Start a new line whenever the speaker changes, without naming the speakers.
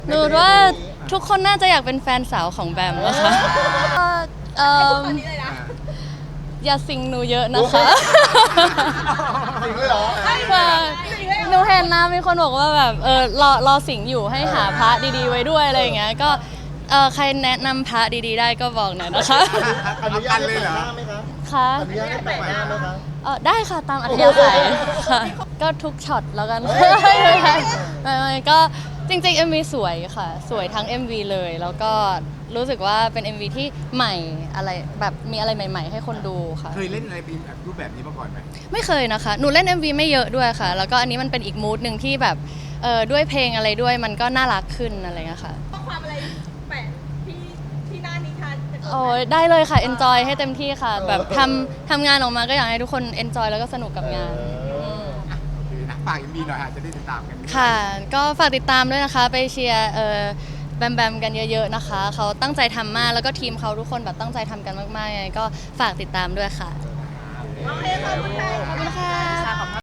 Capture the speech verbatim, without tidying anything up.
หนูว่าทุกคนน่าจะอยากเป็นแฟนสาวของแบมนะคะเอ่ออย่าสิงหนูเยอะนะคะ
จริงเลยเหรอ
ค่ะหนูเห็นนะมีคนบอกว่าแบบเออรอรอสิงอยู่ให้หาพระดีๆไว้ด้วยอะไรอย่างเงี้ยก็เออใครแนะนำพระดีๆได้ก็บอกหน่อยนะคะ
อนุญาตให้แปะหน้าไหมคะ
ค่ะ
อนุญาตให้แปะหน้าไหมคะ
เออได้ค่ะตามอัธยาศัยค่ะ ก็ทุกช็อตแล้วกันไม่ไม่ไม่ก็จริงๆ เอ็ม วี สวยค่ะ สวยทั้ง เอ็ม วี เลย แล้วก็รู้สึกว่าเป็น เอ็ม วี ที่ใหม่อะไรแบบมีอะไรใหม่ๆ ให้คนดูค่ะ
เคยเล่นอะไรเป็นแบบรูปแบบนี้มาก่อนไหม
ไม่เคยนะคะ หนูเล่น เอ็ม วี ไม่เยอะด้วยค่ะ แล้วก็อันนี้มันเป็นอีกมูดหนึ่งที่แบบเออด้วยเพลงอะไรด้วยมันก็น่ารักขึ้นอะไรเงี้ยค่ะ
ข้อความอะไรแปะที่ที่หน้านิทานจะเกิด
โอ้ยได้เลยค่ะ enjoy ให้เต็มที่ค่ะ แบบทำทำงานออกมาก็อยากให้ทุกคน enjoy แล้วก็สนุกกับงานม
โอเคนะฝากอีกมีหน่อยอาจจะได้ติดตามกัน
ค่ะ ก็ฝากติดตามด้วยนะคะ ไปเชียร์เออแบมแบมกันเยอะๆนะคะ เขาตั้งใจทำมาก แล้วก็ทีมเขาทุกคนแบบตั้งใจทำกันมากๆยังไงก็ฝากติดตามด้วยค่ะ
โอเคขอบคุณค่ะ
ขอบคุณค่ะ